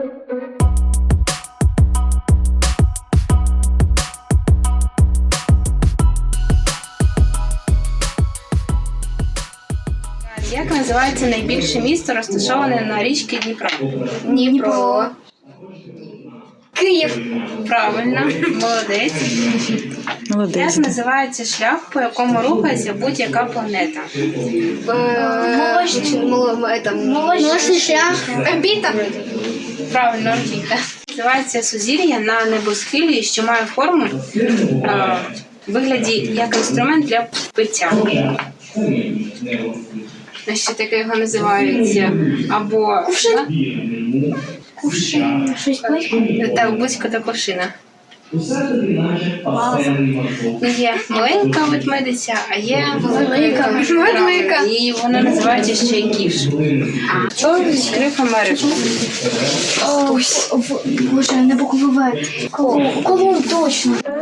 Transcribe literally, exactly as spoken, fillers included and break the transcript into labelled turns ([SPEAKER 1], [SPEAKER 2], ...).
[SPEAKER 1] Як називається найбільше місто, розташоване на річці Дніпро?
[SPEAKER 2] Дніпро. Київ.
[SPEAKER 1] Правильно, молодець.
[SPEAKER 3] Молодець.
[SPEAKER 1] Як називається шлях, по якому рухається будь-яка планета?
[SPEAKER 2] Молочний шлях. Орбіта.
[SPEAKER 1] Правильно, орбіта. Називається сузір'я на небосхилі, що має форму е, в вигляді як інструмент для пиття. Ще таке його називають або
[SPEAKER 2] Кувшин. Кувшин. Щось близько?
[SPEAKER 1] так, близько до кувшина. Є маленька ведмедиця, а є
[SPEAKER 2] Велика ведмедика.
[SPEAKER 1] І вона називається ще й кіш. Хто відкрив Америку?
[SPEAKER 2] Ось, Боже, не буква В. Колумб, точно.